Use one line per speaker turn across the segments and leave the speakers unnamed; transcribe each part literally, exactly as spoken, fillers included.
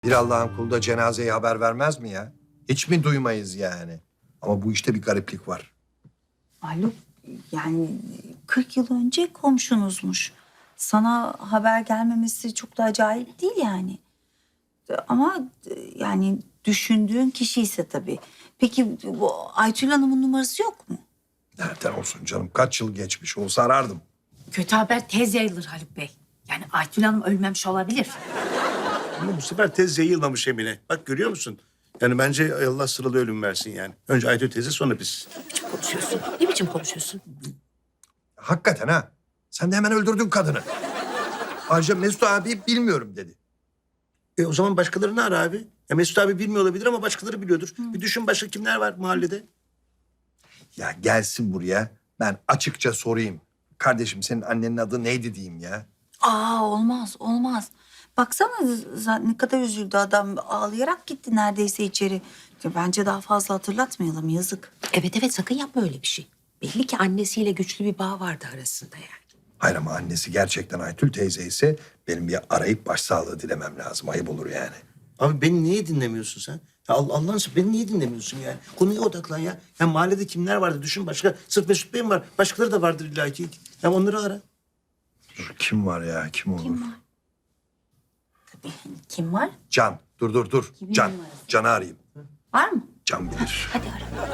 Bir Allah'ın kulu da cenazeye haber vermez mi ya? Hiç mi duymayız yani? Ama bu işte bir gariplik var.
Haluk, yani kırk yıl önce komşunuzmuş. Sana haber gelmemesi çok da acayip değil yani. Ama yani düşündüğün kişi ise tabii. Peki bu Aytül Hanım'ın numarası yok mu?
Nereden olsun canım? Kaç yıl geçmiş olsa arardım.
Kötü haber tez yayılır Haluk Bey. Yani Aytül Hanım ölmemiş olabilir.
Ama bu sefer tez yayılmamış Emine. Bak görüyor musun? Yani bence Allah sıralı ölüm versin yani. Önce Aytül teyze sonra biz.
Ne biçim konuşuyorsun? Ne biçim konuşuyorsun?
Hakikaten ha. Sen de hemen öldürdün kadını. Ayrıca Mesut abi bilmiyorum dedi.
E o zaman başkalarını ara abi. Ya Mesut abi bilmiyor olabilir ama başkaları biliyordur. Bir düşün başka kimler var mahallede?
Ya gelsin buraya. Ben açıkça sorayım. Kardeşim senin annenin adı neydi diyeyim ya.
Aa, olmaz olmaz. Baksana z- ne kadar üzüldü adam, ağlayarak gitti neredeyse içeri. Ya bence daha fazla hatırlatmayalım, yazık.
Evet evet sakın yapma öyle bir şey. Belli ki annesiyle güçlü bir bağ vardı arasında yani.
Hayır ama annesi gerçekten Aytül teyze ise benim bir arayıp başsağlığı dilemem lazım. Ayıp olur yani.
Abi beni niye dinlemiyorsun sen? Ya Allah Allah'ın seversen beni niye dinlemiyorsun yani? Konuya odaklan ya. Ya mahallede kimler vardı düşün başka. Sırf Mesut Bey mi var? Başkaları da vardır illa ki. Ya onları ara.
Dur, kim var ya? Kim olur?
Kim var? Tabii, kim var?
Can. Dur dur dur.
Kimin
Can.
numarası?
Can'ı arayayım.
Var mı?
Can bilir.
Hadi ara.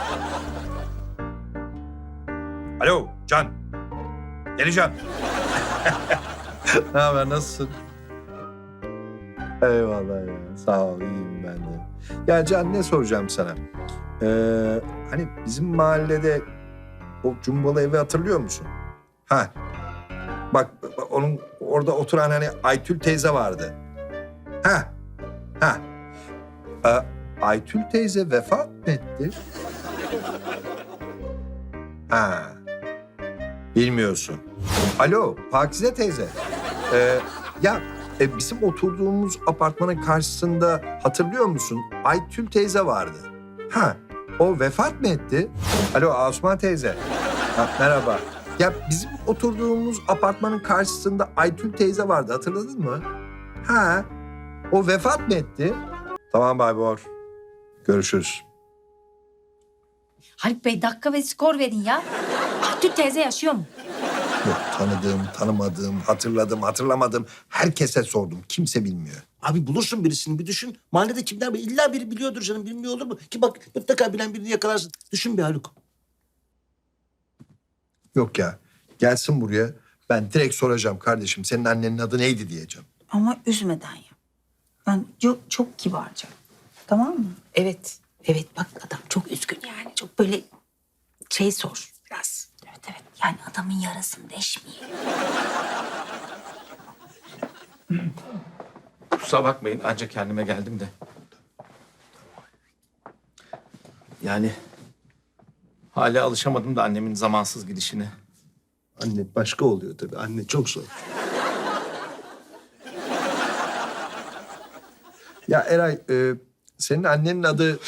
Alo Can. Geleceğim. Ne haber, nasılsın? Eyvallah ya. Sağ ol, iyiyim ben de. Ya Can, ne soracağım sana? Ee, hani bizim mahallede o cumbalı evi hatırlıyor musun? Ha. Bak, bak onun orada oturan hani Aytül teyze vardı. Ha. Ha. Ee, Aytül teyze vefat mı etti? Ha. Bilmiyorsun. Alo, Pakize teyze. Ee, ya e, bizim oturduğumuz apartmanın karşısında hatırlıyor musun? Aytül teyze vardı. Ha, o vefat mı etti? Alo, Asuman teyze. Ha, merhaba. Ya bizim oturduğumuz apartmanın karşısında Aytül teyze vardı, hatırladın mı? Ha, o vefat mı etti? Tamam Baybor. Görüşürüz.
Haluk Bey dakika ve skor verin ya. Aytül teyze yaşıyor mu?
Yok, tanıdığım, tanımadığım, hatırladığım, hatırlamadığım herkese sordum. Kimse bilmiyor.
Abi bulursun birisini bir düşün. Mahallede kimler var? İlla biri biliyordur canım. Bilmiyor olur mu? Ki bak mutlaka bilen birini yakalarsın. Düşün bir Haluk.
Yok ya. Gelsin buraya. Ben direkt soracağım kardeşim. Senin annenin adı neydi diyeceğim.
Ama üzmeden yap. Ben çok, çok kibarca. Tamam mı?
Evet. Evet bak adam çok üzgün yani. Çok böyle şey sor biraz.
Evet evet. Yani adamın yarasını deşmeyelim.
Kusura bakmayın ancak kendime geldim de. Yani hala alışamadım da annemin zamansız gidişine.
Anne başka oluyor tabii. Anne çok zor.
Ya Eray, e, senin annenin adı...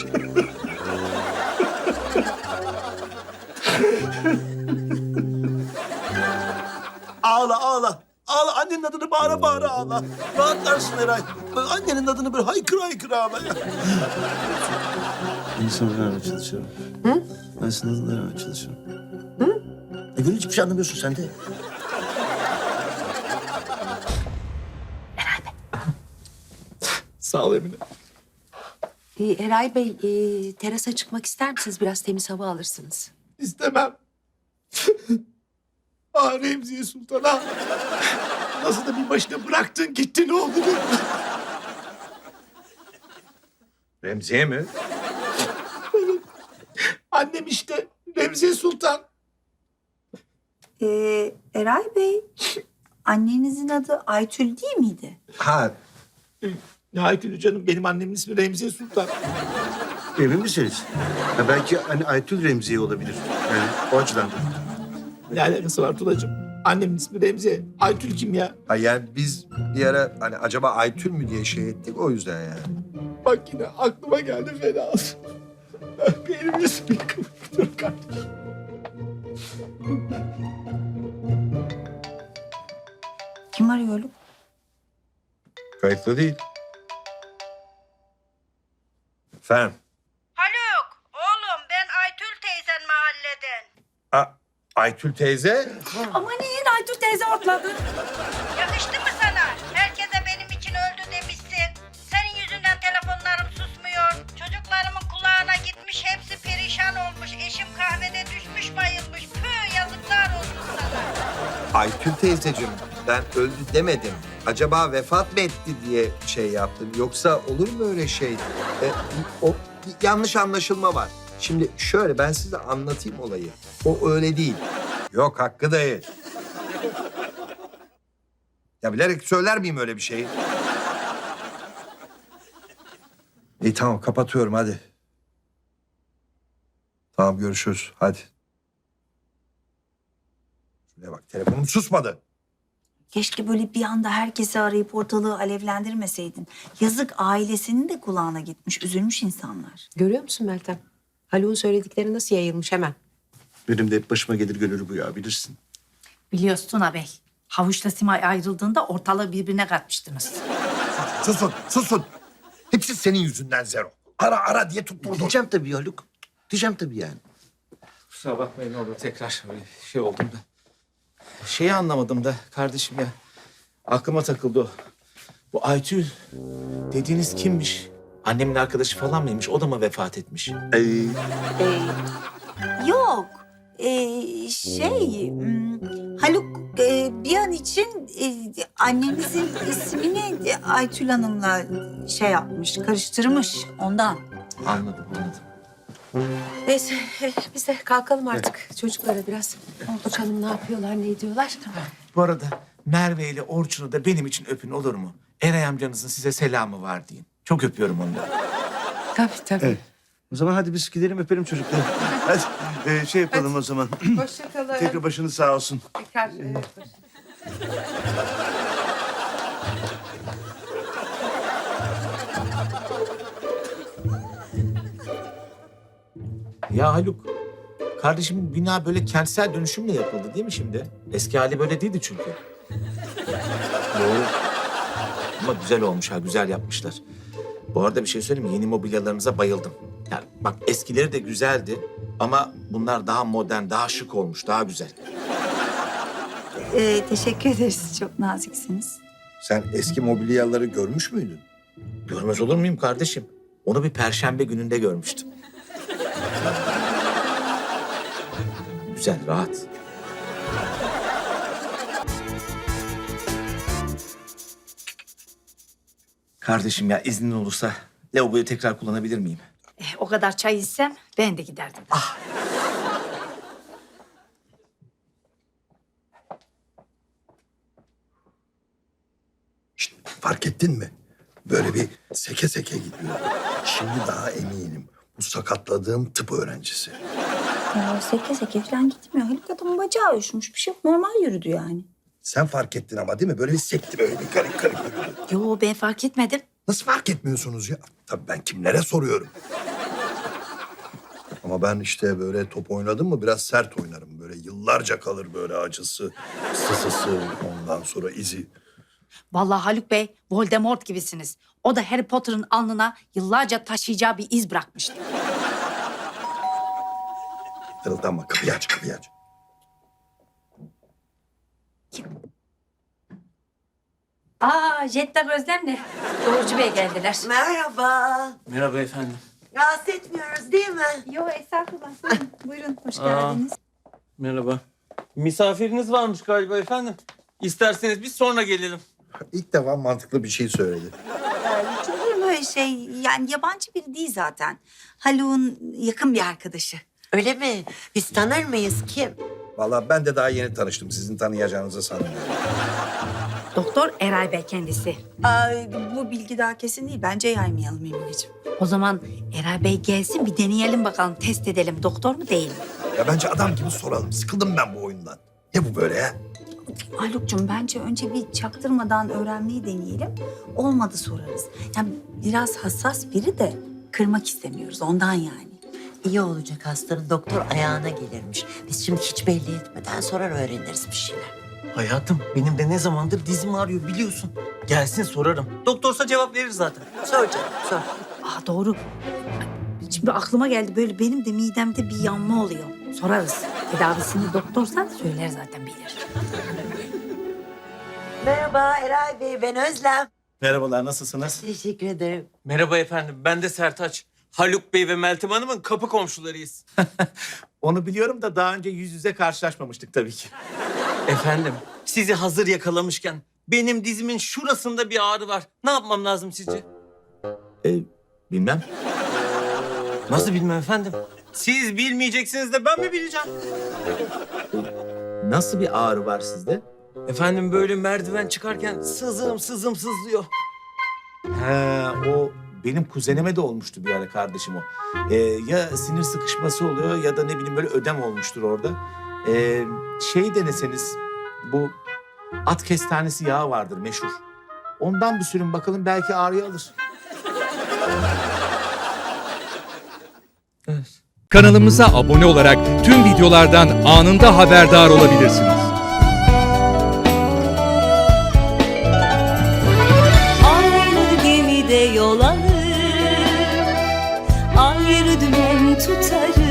Ağla ağla. Ağla annenin adını bağıra bağıra ağla. Rahatlarsın Eray. Böyle annenin adını böyle haykır haykır ağla. Ben sana vermeye çalışıyorum. Hı? Ben sana adını vermeye çalışıyorum. Hı? E Gönül hiçbir şey anlamıyorsun sen de.
Sağ ol Emine.
Ee, Eray Bey e, terasa çıkmak ister misiniz? Biraz temiz hava alırsınız.
İstemem. Ah Remziye Sultan ah. Nasıl da bir başına bıraktın gitti ne oldu?
Remziye mi?
Annem işte Remziye Sultan.
Ee, Eray Bey, annenizin adı Aytül değil miydi?
Ha,
Ya Aytül canım benim annemin ismi Remziye Sultan.
Emin misiniz? Ha, belki hani Aytül Remziye olabilir. Yani o açıdan.
Ne alakası var Tulacığım? Annemin ismi Remziye. Aytül kim ya?
ha yani biz bir ara hani acaba Aytül mü diye şey ettik o yüzden yani.
Bak yine aklıma geldi fena. Benim yüzümü kıvırıyor kardeşim.
Kim arıyor Haluk?
Kayıtlı değil. Efendim?
Haluk, oğlum ben Aytül teyzen mahalleden.
A Aytül teyze?
Aman iyi Aytül teyze ortladı.
Yakıştı mı sana? Herkese benim için öldü demişsin. Senin yüzünden telefonlarım susmuyor. Çocuklarımın kulağına gitmiş, hepsi perişan olmuş. Eşim kahvede düşmüş bayılmış. Püh, yazıklar olsun sana.
Aytül teyzeciğim, ben öldü demedim. Acaba vefat mı etti diye şey yaptım. Yoksa olur mu öyle şey? E, o bir yanlış anlaşılma var. Şimdi şöyle ben size anlatayım olayı. O öyle değil. Yok Hakkı dayı. Ya bilerek söyler miyim öyle bir şeyi? İyi tamam kapatıyorum hadi. Tamam görüşürüz hadi. Şuraya bak telefonum susmadı.
Keşke böyle bir anda herkesi arayıp ortalığı alevlendirmeseydin. Yazık ailesinin de kulağına gitmiş, üzülmüş insanlar.
Görüyor musun Meltem? Haluk'un söyledikleri nasıl yayılmış hemen.
Benim de hep başıma gelir gönül bu ya bilirsin.
Biliyorsun ağabey. Havuçla Simay ayrıldığında ortalığı birbirine katmıştınız.
Susun, susun. Hepsi senin yüzünden Zero. Ara ara diye tutturdun.
Diyeceğim tabii Haluk. Diyeceğim tabii yani.
Kusura bakmayın ne olur tekrar böyle şey oldum da. Şeyi anlamadım da kardeşim ya. Aklıma takıldı o. Bu Aytül dediğiniz kimmiş? Annemin arkadaşı falan mıymış? O da mı vefat etmiş?
Ee,
Ee,
Yok. Ee, şey, hmm, Haluk e, bir an için e, annenizin ismini e, Aytül Hanım'la şey yapmış, karıştırmış ondan.
Anladım anladım.
neyse eh, biz de kalkalım artık. Çocuklara biraz bakalım ne yapıyorlar, ne ediyorlar.
Bu arada Merve ile Orçun'u da benim için öpün olur mu? Eray amcanızın size selamı var deyin. Çok öpüyorum onları.
Tabii tabii.
Evet. O zaman hadi biz gidelim öpelim çocukları. Hadi ee, şey yapalım o zaman.
Hoşçakalın.
Tekrar başınız sağ olsun.
Tekrar, evet,
Ya Haluk, kardeşim bina böyle kentsel dönüşümle yapıldı değil mi şimdi? Eski hali böyle değildi çünkü. Doğru. Ama güzel olmuş ha, güzel yapmışlar. Bu arada bir şey söyleyeyim mi? Yeni mobilyalarınıza bayıldım. Yani bak eskileri de güzeldi ama bunlar daha modern, daha şık olmuş, daha güzel.
Ee, teşekkür ederiz, çok naziksiniz.
Sen eski mobilyaları görmüş müydün?
Görmez olur muyum kardeşim? Onu bir perşembe gününde görmüştüm. Güzel, rahat. Kardeşim ya iznin olursa lavaboyu tekrar kullanabilir miyim?
Eh, o kadar çay içsem ben de giderdim.
Şişt, fark ettin mi? Böyle bir seke seke gidiyor. Şimdi daha eminim. Bu sakatladığım tıp öğrencisi.
Ya, seke seke falan gitmiyor. Haluk adamın bacağı uyuşmuş, bir şey yok. Normal yürüdü yani.
Sen fark ettin ama değil mi? Böyle bir sekti böyle bir karık karık yürüdü.
Yo ben fark etmedim.
Nasıl fark etmiyorsunuz ya? Tabii ben kimlere soruyorum. Ama ben işte böyle top oynadım mı biraz sert oynarım. Böyle yıllarca kalır böyle acısı, sısısı, ondan sonra izi.
Vallahi Haluk Bey Voldemort gibisiniz. O da Harry Potter'ın alnına yıllarca taşıyacağı bir iz bırakmıştı.
Tırıldanma, kapıyı aç, kapıyı aç.
Aa Jetta Özlem'le Doğrucu Bey geldiler.
Merhaba.
Merhaba efendim.
Rahatsız etmiyoruz değil mi?
Yo estağfurullah. Buyurun, buyurun. Hoş
Aa.
geldiniz.
Merhaba. Misafiriniz varmış galiba efendim. İsterseniz biz sonra gelelim.
İlk defa mantıklı bir şey söyledi.
Hiç olur mu öyle şey? Yani yabancı biri değil zaten. Haluk'un yakın bir arkadaşı.
Öyle mi? Biz tanır mıyız kim?
Vallahi ben de daha yeni tanıştım. Sizin tanıyacağınızı sanmıyorum.
Doktor Eray Bey kendisi.
Ay, bu bilgi daha kesin değil. Bence yaymayalım Emineciğim.
O zaman Eray Bey gelsin bir deneyelim bakalım, test edelim. Doktor mu değil mi?
Ya bence adam gibi soralım. Sıkıldım ben bu oyundan. Ne bu böyle ya?
Haluk'cum bence önce bir çaktırmadan öğrenmeyi deneyelim. Olmadı sorarız. Yani biraz hassas biri de kırmak istemiyoruz ondan yani.
İyi olacak hastanın doktor ayağına gelirmiş. Biz şimdi hiç belli etmeden sorar öğreniriz bir şeyler.
Hayatım benim de ne zamandır dizim ağrıyor biliyorsun. Gelsin sorarım. Doktorsa cevap verir zaten.
Sor canım sor.
Aa doğru. Şimdi aklıma geldi böyle benim de midemde bir yanma oluyor. Sorarız. Tedavisini doktorsa söyler zaten bilir.
Merhaba Eray Bey, ben Özlem.
Merhabalar, nasılsınız?
Teşekkür ederim.
Merhaba efendim, ben de Sertaç. Haluk Bey ve Meltem Hanım'ın kapı komşularıyız.
Onu biliyorum da daha önce yüz yüze karşılaşmamıştık tabii ki.
Efendim, sizi hazır yakalamışken benim dizimin şurasında bir ağrı var. Ne yapmam lazım sizce?
E, bilmem.
Nasıl bilmem efendim? Siz bilmeyeceksiniz de ben mi bileceğim?
Nasıl bir ağrı var sizde?
Efendim böyle merdiven çıkarken sızım sızım sızlıyor.
He, o benim kuzenime de olmuştu bir ara kardeşim o. Ee, ya sinir sıkışması oluyor ya da ne bileyim böyle ödem olmuştur orada. Ee, şey deneseniz bu at kestanesi yağı vardır meşhur. Ondan bir sürün bakalım belki ağrıyı alır.
Kanalımıza abone olarak tüm videolardan anında haberdar olabilirsiniz.
Aynı gemide yol alır, ayrı dümen tutarız.